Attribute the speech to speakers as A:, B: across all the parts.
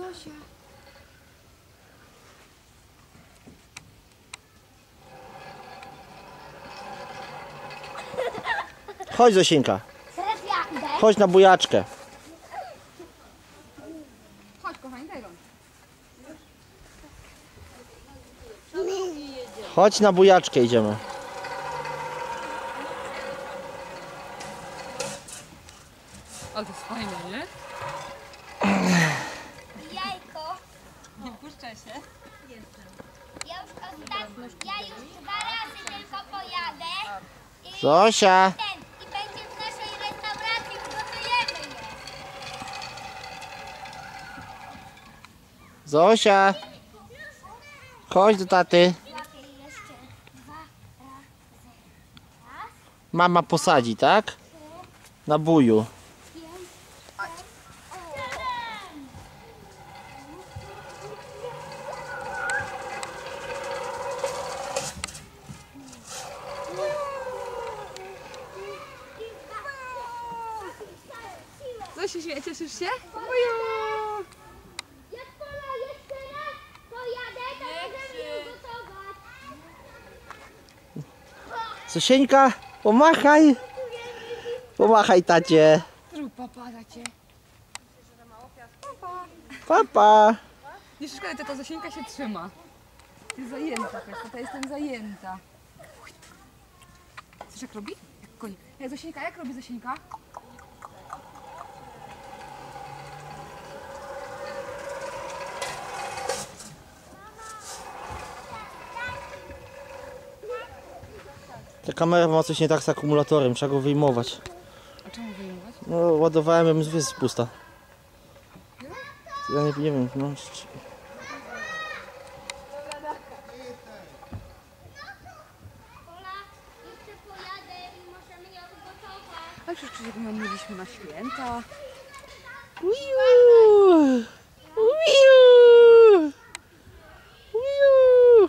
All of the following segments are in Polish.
A: Zosia.
B: Chodź, Zosieńka.
A: Teraz ja idę.
B: Chodź na bujaczkę.
C: Chodź, kochani, daj rączkę.
B: Chodź na bujaczkę, idziemy.
C: Ale to jest fajne, nie?
A: Jajko.
C: Nie puszczaj się.
A: Ja już 2 razy tylko pojadę. I
B: Zosia.
A: i będzie w naszej restauracji, ugotujemy je.
B: Zosia. Chodź do taty.
A: Łapię jeszcze 2 razy. Raz,
B: Mama posadzi, tak? Na buju.
A: 5, 7.
C: Co się śmieje? Cieszysz się?
A: Jak Pola jeszcze raz pojadę, to możemy ugotować.
B: Zosieńka, pomachaj. Pomachaj tacie.
C: Zrób papa za cię.
B: Papa.
C: Nie szkoda, to ta Zosieńka się trzyma. Jest zajęta, ta jestem zajęta. Coś jak robi? Jak koń. Zosieńka, jak robi Zosieńka?
B: Ta kamera ma coś nie tak z akumulatorem, trzeba go wyjmować.
C: A czemu wyjmować?
B: No, ładowałem ją, jest pusta. Ja nie wiem, no.
A: Pola, jeszcze pojadę i możemy ją ugotować.
C: Ale przecież ją mieliśmy na święta.
B: Uiu! Uiu! Uiu!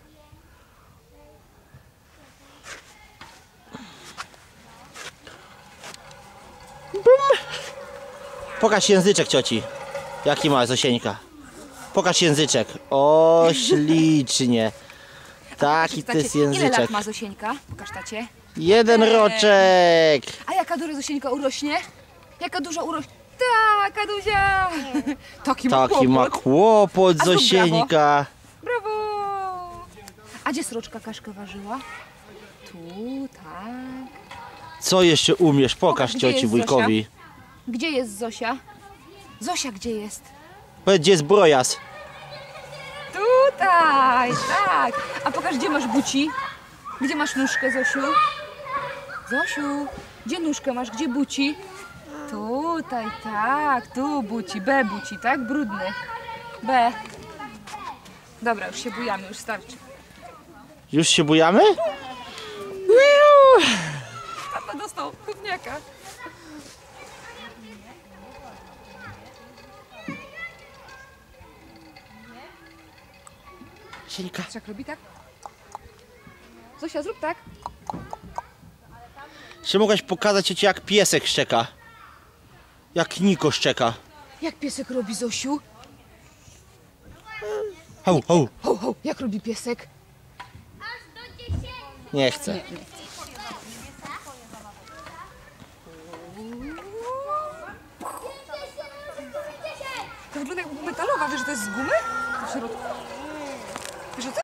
B: Pokaż języczek cioci. Jaki ma Zosieńka? Pokaż języczek. O, ślicznie. Taki to jest
C: Ile lat
B: języczek.
C: ma Zosieńka? Pokaż tacie.
B: 1 roczek.
C: A jaka duża Zosieńka urośnie? Jaka duża urośnie? Taka Duzia! Taki ma
B: Taki ma
C: kłopot.
B: kłopot
C: A zrób
B: Zosieńka.
C: Brawo! A gdzie sroczka kaszkę ważyła? Tu, tak.
B: Co jeszcze umiesz? Pokaż
C: Gdzie
B: cioci
C: jest
B: wujkowi.
C: Gdzie jest Zosia? Zosia gdzie jest?
B: Powiedz, gdzie jest brojas?
C: Tutaj, tak. A pokaż, gdzie masz buci? Gdzie masz nóżkę, Zosiu? Zosiu, gdzie nóżkę masz? Gdzie buci? Tutaj, tak, tu buci, B buci, tak? Brudny. B. Dobra, już się bujamy, już starczy.
B: Już się bujamy?
C: Tata dostał gówniaka.
B: Zosieńka.
C: Jak robi tak? Zosia, zrób tak.
B: Czy mogłaś pokazać cioci, jak piesek szczeka? Jak Niko szczeka.
C: Jak piesek robi, Zosiu?
B: Hał, hał.
C: Ho, ho, jak robi piesek?
A: Aż do 10.
B: Nie chcę.
C: To wygląda jak metalowa, wiesz, że to jest z gumy? W środku. Wiesz, że to